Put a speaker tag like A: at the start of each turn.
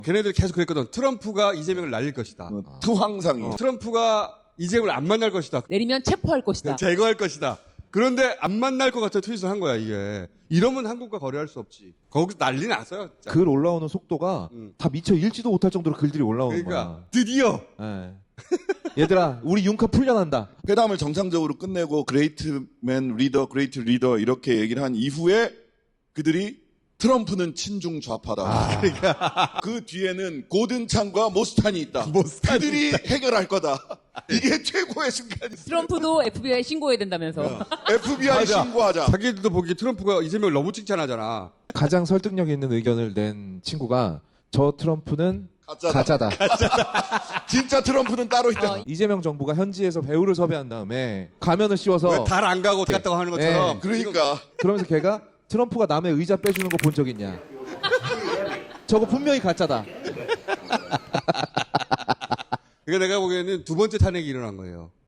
A: 걔네들 계속 그랬거든. 트럼프가 이재명을 날릴 것이다.
B: 투황상이.
A: 트럼프가 이재명을 안 만날 것이다.
C: 내리면 체포할 것이다.
A: 제거할 것이다. 그런데 안 만날 것 같아 트윗을 한 거야 이게. 이러면 한국과 거래할 수 없지. 거기서 난리 났어요. 진짜.
D: 글 올라오는 속도가 다 미처 읽지도 못할 정도로 글들이 올라오는
A: 그러니까
D: 거야.
A: 드디어
D: 예. 얘들아, 우리 융카 풀려난다.
B: 회담을 정상적으로 끝내고 그레이트맨 리더, 그레이트 리더 이렇게 얘기를 한 이후에 그들이 트럼프는 친중 좌파다. 그 뒤에는 고든창과 모스탄이 있다. 그들이 해결할 거다. 이게 최고의 순간이었어요.
C: 트럼프도 FBI 신고해야 된다면서.
B: FBI
A: 맞아.
B: 신고하자.
A: 자기들도 보기에 트럼프가 이재명을 너무 칭찬하잖아.
D: 가장 설득력 있는 의견을 낸 친구가 저 트럼프는 가짜다.
B: 진짜 트럼프는 따로 있다.
D: 이재명 정부가 현지에서 배우를 섭외한 다음에 가면을 씌워서
A: 왜 달 안 가고 갔다고 하는 것처럼.
B: 그러니까
D: 그러면서 걔가 트럼프가 남의 의자 빼주는 거 본 적 있냐? 저거 분명히 가짜다.
A: 그러니까 내가 보기에는 두 번째 탄핵이 일어난 거예요.